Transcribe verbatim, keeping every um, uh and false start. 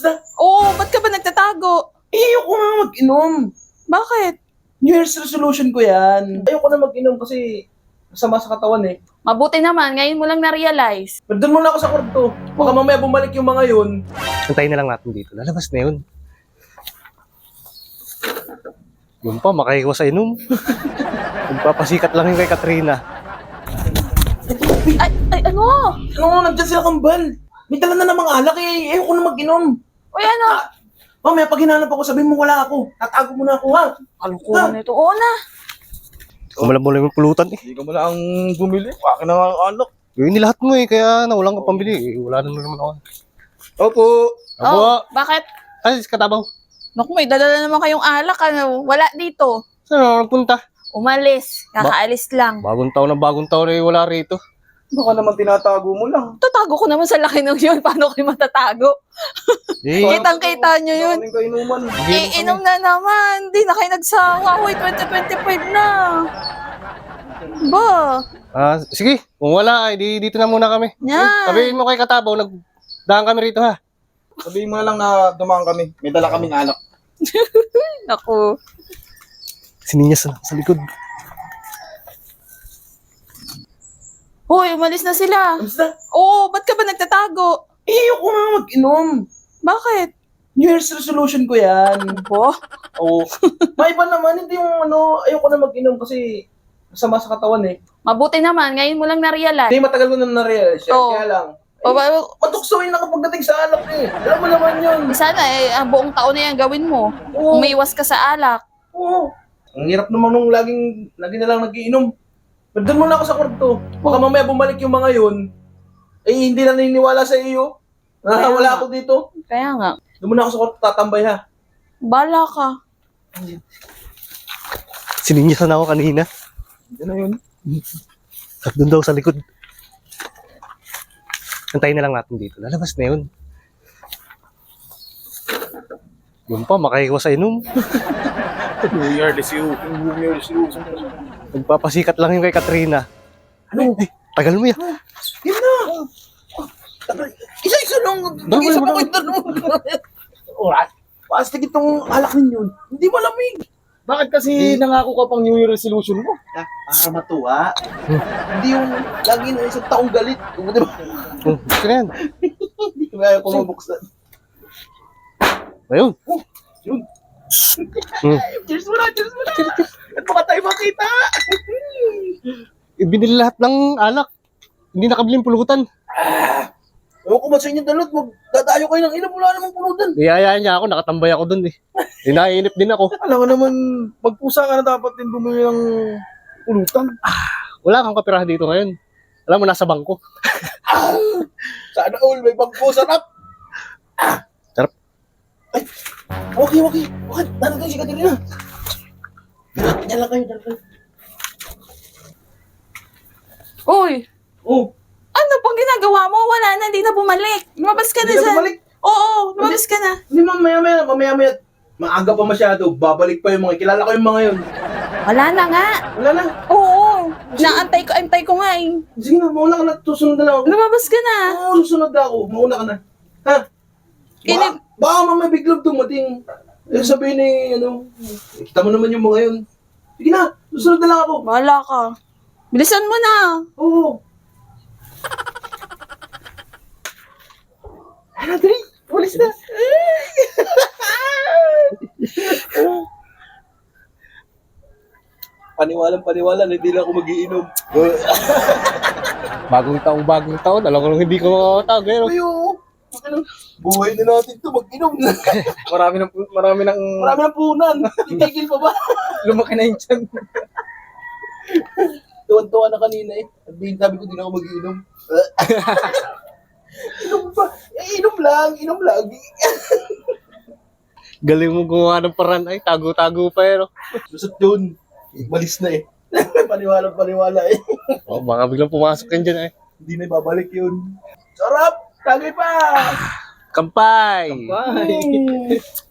Oo, ba't ka ba nagtatago? Eh, ayoko nga mag-inom. Bakit? New Year's resolution ko yan. Ayoko na mag-inom kasi masama sa katawan eh. Mabuti naman, ngayon mo lang na-realize. Pero doon muna ako sa kwarto. Baka mamaya bumalik yung mga yun. Antayin na lang natin dito. Lalabas na yun. Yun pa, makahiwas sa inom. Nagpapasikat lang yung kay Katrina. Ay, ay, ano? Ano, nandyan sila kambal. May dala na namang alak eh. Ayoko na mag-inom. Uy, ano? Mamaya pag hinanap ako, sabihin mo wala ako. Tatago mo na ako ha. Kalukuhan nito. Oo na. Kumalam mo lang yung pulutan eh. Hindi ka mo lang bumili. Akin na nga ang alak. Yun, nilahat mo eh, kaya nawalan ka pambili. Eh, wala na naman ako. Opo. Abo, Oh, bakit? ay, katabaw. Naku, may dadala naman kayong alak. Ano? Wala dito. Saan ako nagpunta? Umalis. Kakaalis lang. Bagong taon na bagong taon eh, wala rito. Baka naman tinatago mo lang. Tatago ko naman sa laki ng yun. Paano kayo matatago? Eh, Kitang-kita nyo yun. Kaming kainuman. Eh, inom na naman. Di na kayo nagsawa. Uy, twenty twenty-five na. Ba? ah, sige, kung wala, ay di, dito na muna kami. Yan. Sabihin mo kay Katabaw, nagdaan kami rito ha. Sabihin mo na lang na dumaan kami. May dala kaming alak. Naku. Sininyas na sa likod. Hoy, umalis na sila. Basta, Oo, ba't ka ba nagtatago? eh, ayoko nga mag-inom. Bakit? New Year's resolution ko yan. Bo? Oo. May iba naman, hindi yung ano, ayoko na mag-inom kasi masama sa katawan eh. Mabuti naman, ngayon mo lang na-realize. Hindi, matagal ko na na-realize yan. Oo. Kaya lang, O, ba, matuksoin na kapag dating sa alak eh. Alam mo naman yun. sana eh, ang buong taon na yan gawin mo. Oo. Umiwas ka sa alak. Oo. Ang hirap naman nung laging, lagi na lang nagiinom. Pero doon muna ako sa kwarto. Baka mamaya bumalik yung mga yun. Eh, hindi na naniniwala sa iyo. Na Kaya wala nga. ako dito. Kaya nga, Doon muna ako sa kwarto tatambay ha. bala ka. Sininyas na ako kanina. Yan na yun. At doon daw sa likod. Antayin na lang natin dito. Lalabas na yun. Yun pa, makahiwas sa inom. New Year, this you. New Year, this you. Nagpapasikat lang yung kay Katrina. Ano? Eh, tagal mo yan. Yan na. Isa-isa lang. Mag-isa pa kayo tanong. Alright. Pastig itong alak ninyo. Hindi malamig. Bakit kasi nangako ka pang New Year resolution mo? Ah, para matuwa. Hindi yung lagi na isang taong galit. Di ba? Oh, gusto na yan. Hindi ko kaya ko mabuksan. Ayun. Yun. Hmm. Cheers mo na, cheers mo na. At baka tayo makita. Ibinili lahat ng alak. Hindi nakabiling pulutan. Ewan ko ba sa inyo dalot, magdadayo kayo ng inom, wala namang pulutan. Iyayaan niya ako, nakatambay ako doon eh. Eh, naiinip din ako. Alam ko naman, magpusa ka na dapat din bumili ng pulutan. Wala kang kapirahan dito ngayon. Alam mo, nasa bangko. Sana all, may bangko, sarap. Sarap. Ay, okay, okay. Bakit? Nandun si Katerina. Diyan lang kayo, diyan lang kayo. Uy, Oh, ano pang ginagawa mo? Wala na, hindi na bumalik. Lumabas ka na hindi na dyan. bumalik. Oo, lumabas ka na. Hindi, mamaya, maya, mamaya, maya. Maaga pa masyado, babalik pa yung mga, kilala ko yung mga yun. Wala na nga. Wala na. Oo, naantay ko, antay ko nga eh. Sige na, mauna ka na, susunod na lang ako. Lumabas ka na. Oo, susunod na ako, mauna ka na. Ha? Baka, Inip- baka mamaya biglang dumating. Eh, sabihin ni, ano, eh, kita mo naman yung mga yun. Sige na, susunod na lang ako. Bahala ka. Bilisan mo na. Oo. Ano, dali? Walis na. Paniwalang paniwala na hindi na ako magiinom. Bagong taong bagong taon. Alam ko nung hindi ko makakatago. Eh, no? Ayo. Ano? Buhay na natin to, mag-inom na. Marami ng marami ng Marami ng punan. Titigil pa ba? lumaki na yung tiyan. Tuwan-tuwa na kanina eh. Sabihin, sabi ko, di na ako mag-inom. Inom ba? Eh, inom lang, inom lang. Galing mo gumawa ng paraan. Ay, tago-tago pa eh. No? Lusot yun. Malis na eh. Paniwala, paniwala eh. Oh, baka biglang pumasok yan dyan eh. Hindi na ibabalik yun. Sarap! Tagay pa! Kampay! Bye. Mm.